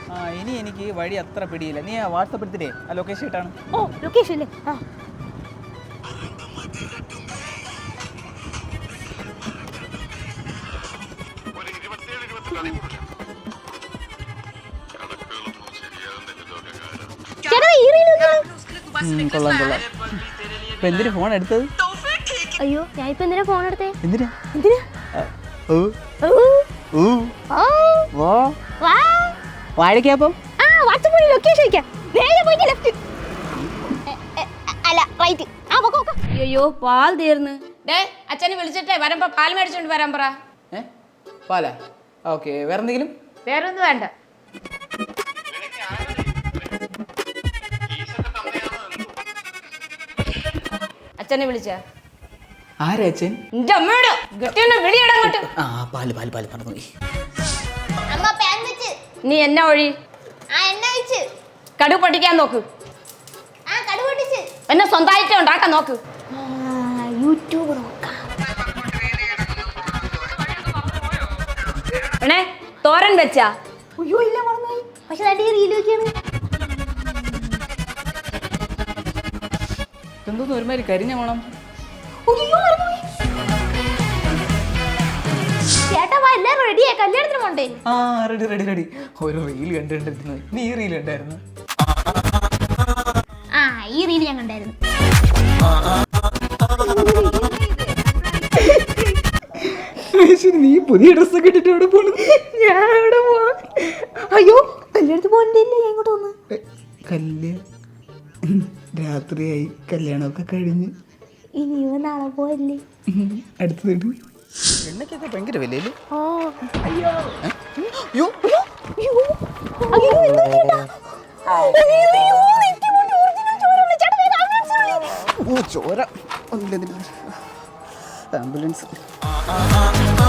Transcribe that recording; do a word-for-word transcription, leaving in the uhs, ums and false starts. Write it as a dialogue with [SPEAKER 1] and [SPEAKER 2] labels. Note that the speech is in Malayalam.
[SPEAKER 1] ആ ഇനി എനിക്ക് വഴി അത്ര പിടിയില്ല. നീ വാട്സപ്പ് എടുത്തിട്ടേ ആ ലൊക്കേഷൻ ഇട്ടാണ്.
[SPEAKER 2] ഓ ലൊക്കേഷൻ അല്ലേ? ആ
[SPEAKER 1] കൊള്ളാം കൊള്ളാം. ഇപ്പൊ എന്തിനു ഫോൺ എടുത്തത്?
[SPEAKER 2] അയ്യോ ഞാൻ ഇപ്പൊ എന്തിനാ ഫോൺ എടുത്തേ?
[SPEAKER 1] എന്തിനാ
[SPEAKER 2] എന്തിനാ?
[SPEAKER 1] ഓ ഓ വാ
[SPEAKER 2] വാ
[SPEAKER 1] വാഴയ്ക്കപ്പം.
[SPEAKER 2] ആ വാട്സ്ആപ്പ് വഴി ലൊക്കേഷൻ അയക്കാം. നേരെ പോയിട്ട് ലെഫ്റ്റ് അല്ല റൈറ്റ്. ആ പൊക്കോ പൊക്കോ.
[SPEAKER 3] അയ്യോ പാൽ തീർന്ന്. ഡേ അച്ഛനെ വിളിച്ചിട്ടേ വരുമ്പോ പാൽ മേടിച്ചോണ്ട് വരാൻ പറ.
[SPEAKER 1] ഏ പാലാ? ഓക്കെ. വേറെ എന്തെങ്കിലും?
[SPEAKER 3] വേറെ ഒന്നും വേണ്ട. അച്ഛനെ വിളിച്ച
[SPEAKER 1] ആരാ അച്ഛൻ?
[SPEAKER 3] എന്റെ അമ്മയോട് ഗട്ടിയൊന്ന് വിളിയിടങ്ങോട്ട്.
[SPEAKER 1] ആ പാല് പാല് പാല് പറഞ്ഞു.
[SPEAKER 2] അമ്മ പാൻ വെച്ച്.
[SPEAKER 3] നീ എന്നാ ഒഴി?
[SPEAKER 2] ആ എണ്ണ വെച്ച്.
[SPEAKER 3] കടുക് പൊട്ടിക്കാൻ നോക്ക്.
[SPEAKER 2] ആ കടുക് പൊട്ടിച്ച്.
[SPEAKER 3] എന്നെ സ്വന്തമായിട്ട് ഉണ്ടാക്കാൻ നോക്ക്.
[SPEAKER 2] യൂട്യൂബ് നോക്കാം.
[SPEAKER 3] എണേ തോരൻ വെച്ചാ?
[SPEAKER 2] അയ്യോ ഇല്ല മറന്നുപോയി. പക്ഷെ അടി റീൽ വെക്കാണ്.
[SPEAKER 1] എന്തോന്ന് ഒരുമാതിരി കരിഞ്ഞ വേണം.
[SPEAKER 2] അയ്യോ മറന്നുപോയി. ചേട്ടാ വാ എല്ലാവരും റെഡിയായി കല്യാണത്തിന് പോണ്ടേ?
[SPEAKER 1] ആ റെഡി റെഡി റെഡി. ഒരു റീൽ കണ്ടിട്ടുണ്ടായിരുന്നു. നീ ഈ റീൽ ഉണ്ടായിരുന്നു?
[SPEAKER 2] ആ ഈ റീൽ ഞാൻ കണ്ടായിരുന്നു.
[SPEAKER 1] നീ പുതിയ ഡ്രസ്സൊക്കെ ഇട്ടിട്ട് എവിടെ പോണു?
[SPEAKER 2] ഞാൻ എവിടെ പോവാ? അയ്യോ കല്യാണത്തിന് പോകണ്ടല്ലേ ഞാൻ ഇങ്ങോട്ട് വന്ന്.
[SPEAKER 1] കല്യാണം രാത്രിയായി, കല്യാണമൊക്കെ കഴിഞ്ഞ്.
[SPEAKER 2] ഇനി ഇവ നാളെ പോവല്ലേ?
[SPEAKER 1] അടുത്തത് എണ്ണയ്ക്കൊക്കെ ഭയങ്കര വിലയില്ലേ?
[SPEAKER 2] ഓ
[SPEAKER 1] അയ്യോ
[SPEAKER 2] അയ്യോ അയ്യോ എന്താ ചേട്ടാ? അയ്യോ അയ്യോ നെറ്റി കൊണ്ട് ഒറിജിനൽ ചോര വിളി. ചേട്ടാ വേഗം ആംബുലൻസ് വിളി.
[SPEAKER 1] ഓ ചോര. ആംബുലൻസ്.